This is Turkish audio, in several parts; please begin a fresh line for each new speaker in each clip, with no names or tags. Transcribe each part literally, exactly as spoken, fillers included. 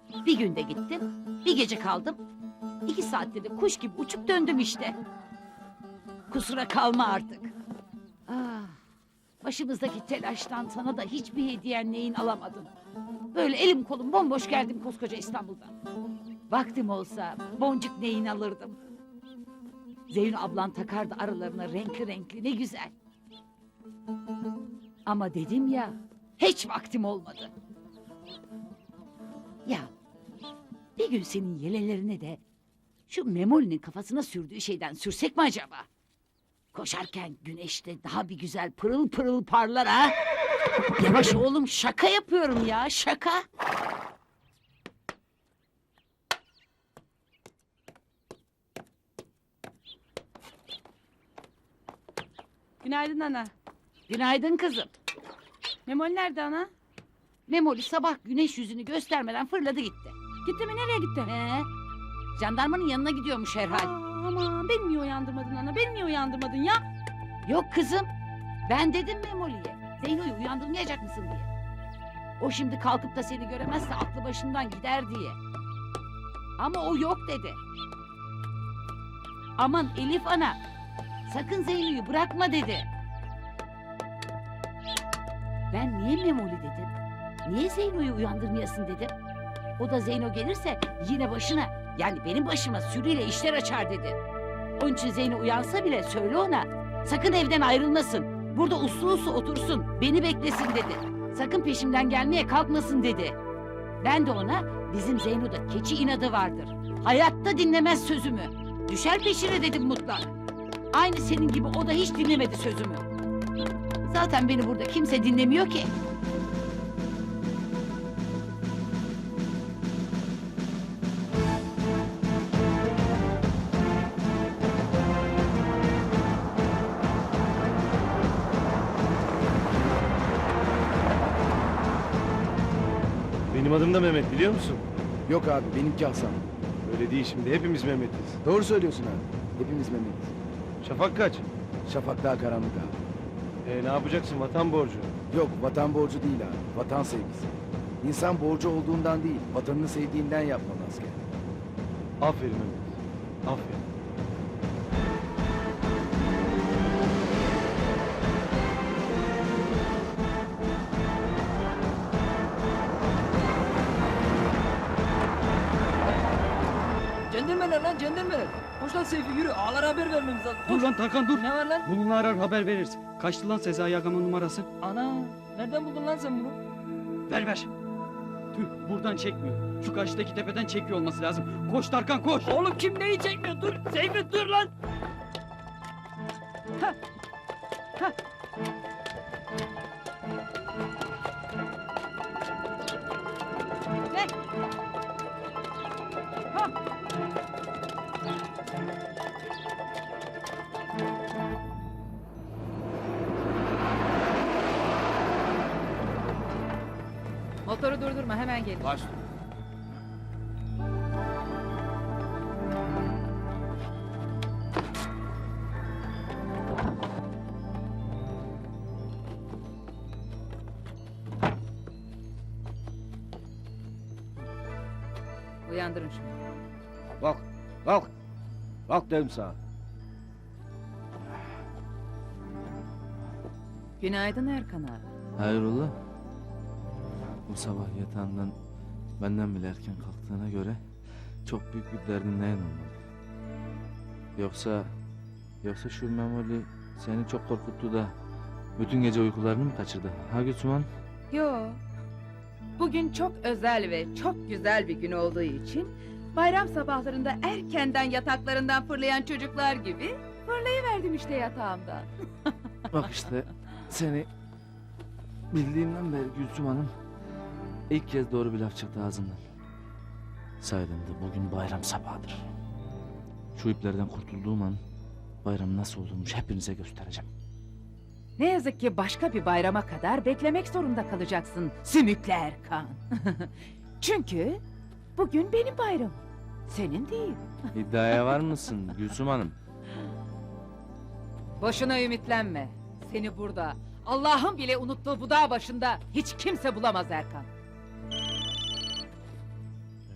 Bir günde gittim, bir gece kaldım. İki saatte de kuş gibi uçup döndüm işte. Kusura kalma artık. Ah, başımızdaki telaştan sana da hiçbir hediyen neyin alamadım. Böyle elim kolum bomboş geldim koskoca İstanbul'dan. Vaktim olsa boncuk neyin alırdım. Zeyno ablan takardı aralarına renkli renkli, ne güzel. Ama dedim ya, hiç vaktim olmadı. Ya, bir gün senin yelelerine de şu Memoli'nin kafasına sürdüğü şeyden sürsek mi acaba? Koşarken güneşte daha bir güzel pırıl pırıl parlar ha. Yavaş oğlum, şaka yapıyorum ya, şaka.
Günaydın ana.
Günaydın kızım.
Memoli nerede ana?
Memoli sabah güneş yüzünü göstermeden fırladı gitti.
Gitti mi, nereye gitti?
Ee, jandarmanın yanına gidiyormuş herhal.
Aa, aman beni niye uyandırmadın ana? Beni niye uyandırmadın ya?
Yok kızım, ben dedim Memoli'ye, Zeyno'yu uyandırmayacak mısın diye. O şimdi kalkıp da seni göremezse aklı başından gider diye. Ama o yok dedi. Aman Elif ana, sakın Zeyno'yu bırakma dedi. Ben niye Memoli dedim? Niye Zeyno'yu uyandırmayasın dedim. O da Zeyno gelirse yine başına, yani benim başıma sürüyle işler açar dedi. Onun için Zeyno uyansa bile söyle ona, sakın evden ayrılmasın. Burada uslu uslu otursun, beni beklesin dedi. Sakın peşimden gelmeye kalkmasın dedi. Ben de ona, bizim Zeyno'da keçi inadı vardır. Hayatta dinlemez sözümü. Düşer peşine dedim mutlak. Aynı senin gibi o da hiç dinlemedi sözümü. Zaten beni burada kimse dinlemiyor ki.
Benim adım da Mehmet, biliyor musun?
Yok abi, benimki Hasan.
Öyle değil şimdi, hepimiz Mehmet'iz.
Doğru söylüyorsun abi. Hepimiz Mehmet'iz.
Şafak kaç?
Şafak daha karanlık abi.
Ee, ne yapacaksın, vatan borcu?
Yok, vatan borcu değil abi. Vatan sevgisi. İnsan borcu olduğundan değil, vatanını sevdiğinden yapmalı asker.
Aferin Mehmet, aferin.
Cendirmeler lan cendirmeler. Koş lan Seyfi yürü. Ağalara haber vermemiz lazım.
Dur
Koş.
lan Tarkan dur.
Ne var lan?
Bununla arar haber veririz. Kaçtı lan Sezai Agam'ın numarası?
Ana. Nereden buldun lan sen bunu?
Ver ver. Tüh buradan çekmiyor. Şu karşıdaki tepeden çekiyor olması lazım. Koş Tarkan koş.
Oğlum kim neyi çekmiyor? Dur. Seyfi dur lan.
Ha. Ha. Ne? Ha.
Motoru durdurma, hemen gelin.
Baş.
Uyandırın şunu.
Kalk, kalk. Kalk dedim sana.
Günaydın Erkan abi.
Hayrola? Bu sabah yatağından benden bile erken kalktığına göre çok büyük bir derdindeyen olmalı. Yoksa yoksa şu Memoli seni çok korkuttu da bütün gece uykularını mı kaçırdı? Ha Gülsüman?
Yo. Bugün çok özel ve çok güzel bir gün olduğu için bayram sabahlarında erkenden yataklarından fırlayan çocuklar gibi fırlayıverdim işte yatağımdan.
Bak işte seni bildiğimden beri Gülsüm Hanım ilk kez doğru bir laf çıktı ağzından. Saydım da bugün bayram sabahıdır. Şu iplerden kurtulduğum an bayram nasıl olurmuş hepinize göstereceğim.
Ne yazık ki başka bir bayrama kadar beklemek zorunda kalacaksın Sümüklü Erkan. Çünkü bugün benim bayramım, senin değil.
İddiaya var mısın Gülsüm Hanım?
Boşuna ümitlenme. Seni burada, Allah'ın bile unuttuğu bu dağ başında hiç kimse bulamaz Erkan.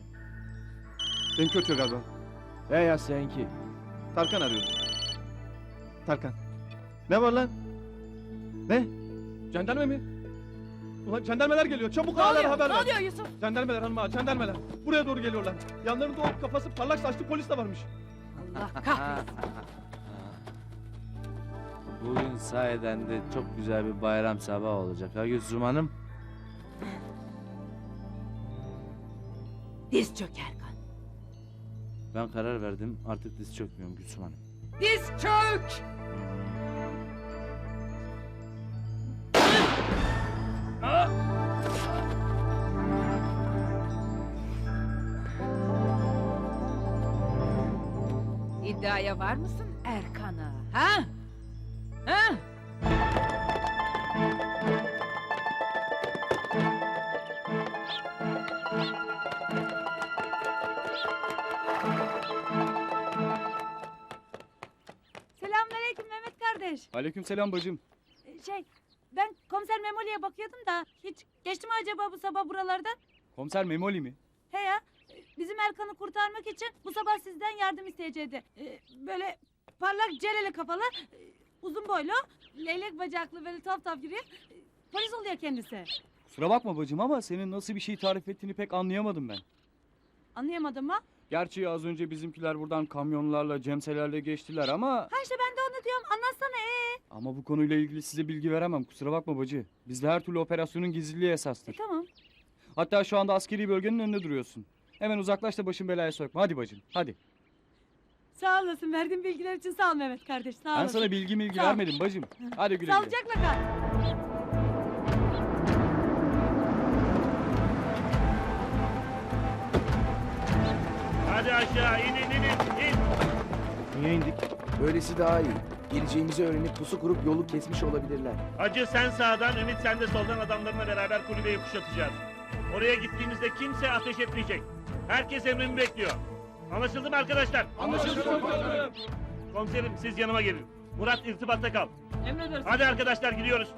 Benim kötü galiba.
He ya seninki.
Tarkan arıyordu. Tarkan. Ne var lan? Ne? Jandarma mı? Ulan jandarmalar geliyor. Çabuk ağalara haber ver.
Ne oluyor Yusuf?
Jandarmalar hanım ağa, jandarmalar. Buraya doğru geliyorlar. Yanlarında o kafası parlak saçlı polis de varmış.
Allah kahretsin.
Bugün sayeden de çok güzel bir bayram sabahı olacak ha Gülsüm Hanım.
Diz çök Erkan.
Ben karar verdim artık diz çökmüyorum Gülsüm Hanım.
Diz çök! İddiaya var mısın Erkan'a? Ha? Ha?
Selamünaleyküm Mehmet kardeş.
Aleykümselam bacım.
Ee, Şey, ben komiser Memoli'ye bakıyordum da hiç geçti mi acaba bu sabah buralardan?
Komiser Memoli mi?
He ya, e, bizim Erkan'ı kurtarmak için bu sabah sizden yardım isteyecekti. Ee, Böyle parlak celeli kafalı, e, uzun boylu, leylek bacaklı böyle taf taf yürüyor. E, Polis oluyor kendisi.
Kusura bakma bacım ama senin nasıl bir şey tarif ettiğini pek anlayamadım ben.
Anlayamadım mı?
Gerçi az önce bizimkiler buradan kamyonlarla, cemselerle geçtiler ama...
Ha işte ben de onu diyorum, anlatsana ee.
Ama bu konuyla ilgili size bilgi veremem, kusura bakma bacı. Bizde her türlü operasyonun gizliliği
E,
esastır.
tamam.
Hatta şu anda askeri bölgenin önünde duruyorsun. Hemen uzaklaş da başın belaya sokma. Hadi bacım, hadi.
Sağ olasın, verdiğin bilgiler için sağ ol Mehmet kardeş, sağ
Ben
olasın.
sana bilgi milgi
Sağ ol.
vermedim bacım. Hadi güle güle.
Sağlıcakla kal.
Hadi aşağı inin inin in.
Niye indik?
Böylesi daha iyi. Geleceğimizi öğrenip pusu kurup yolu kesmiş olabilirler.
Hacı sen sağdan, Ümit sen de soldan adamlarına beraber kulübeyi kuşatacağız. Oraya gittiğimizde kimse ateş etmeyecek. Herkes emrimi bekliyor. Anlaşıldı mı arkadaşlar?
Anlaşıldı komutanım.
Komiserim siz yanıma gelin. Murat irtibatta kal.
Emredersin.
Hadi arkadaşlar gidiyoruz.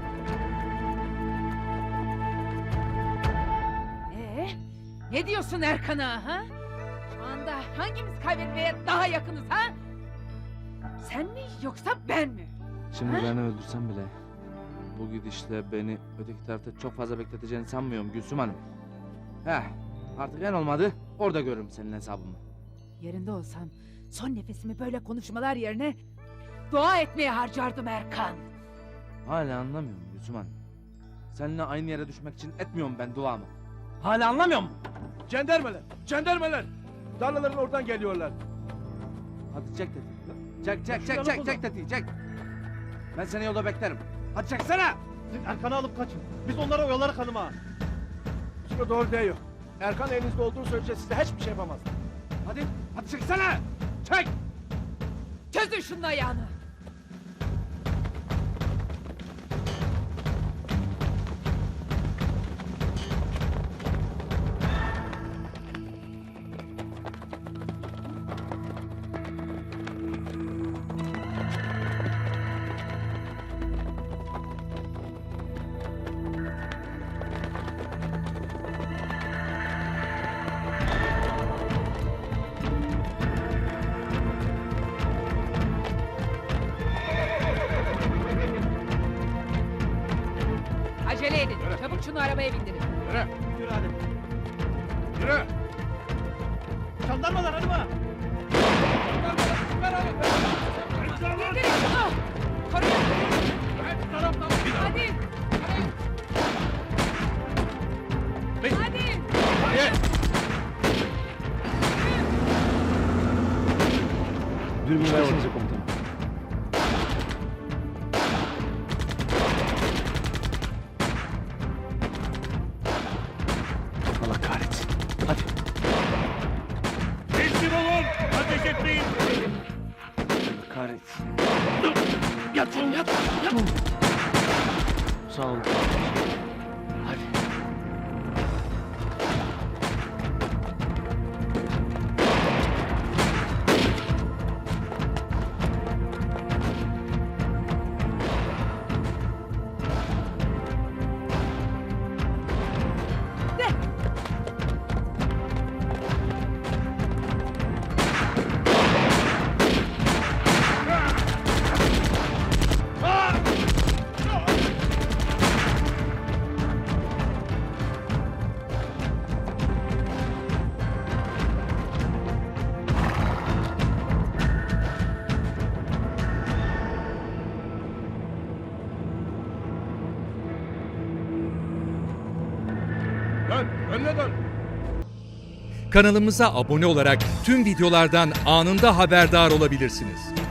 Ee, ne diyorsun Erkan'a ha? Şu anda hangimiz kaybetmeye daha yakınız ha? Sen mi yoksa ben mi?
Şimdi
Ha?
beni öldürsem bile bu gidişle beni öteki tarafta çok fazla bekleteceğini sanmıyorum Gülsüm Hanım. Heh, artık en olmadı orada görürüm senin hesabımı.
Yerinde olsam son nefesimi böyle konuşmalar yerine dua etmeye harcardım Erkan.
Hala anlamıyorum Gülsüm Hanım. Seninle aynı yere düşmek için etmiyorum ben duamı. Hala anlamıyor musun?
Jandarmalar, jandarmalar. Tarlaların oradan geliyorlar.
Hadi çek tetiği. Çek çek çek çek çek tetiği çek. Ben seni yolda beklerim. Hadi çeksene.
Siz Erkan'ı alıp kaçın. Biz onlara oyalarız hanım ağa. Şimdi doğru değil. Erkan elinizde olduğu sürece size hiçbir şey yapamaz.
Hadi hadi çeksene. Çek.
Çözün şunun ayağını. Acele edin. Çabuk şunu arabaya bindirin.
Yürü hadi. Yürü. Jandarmalar hanım ağa.
Bindirin şunu. Koruyun. Hadi. Hadi.
Dürbün versenize komutanım. Allah kahretsin. Hadi.
Teslim olun. Ateş etmeyin.
Kahretsin.
Yat oğlum yat. Yat. Sağ olun. Hadi. Dön, önüne dön.
Kanalımıza abone olarak tüm videolardan anında haberdar olabilirsiniz.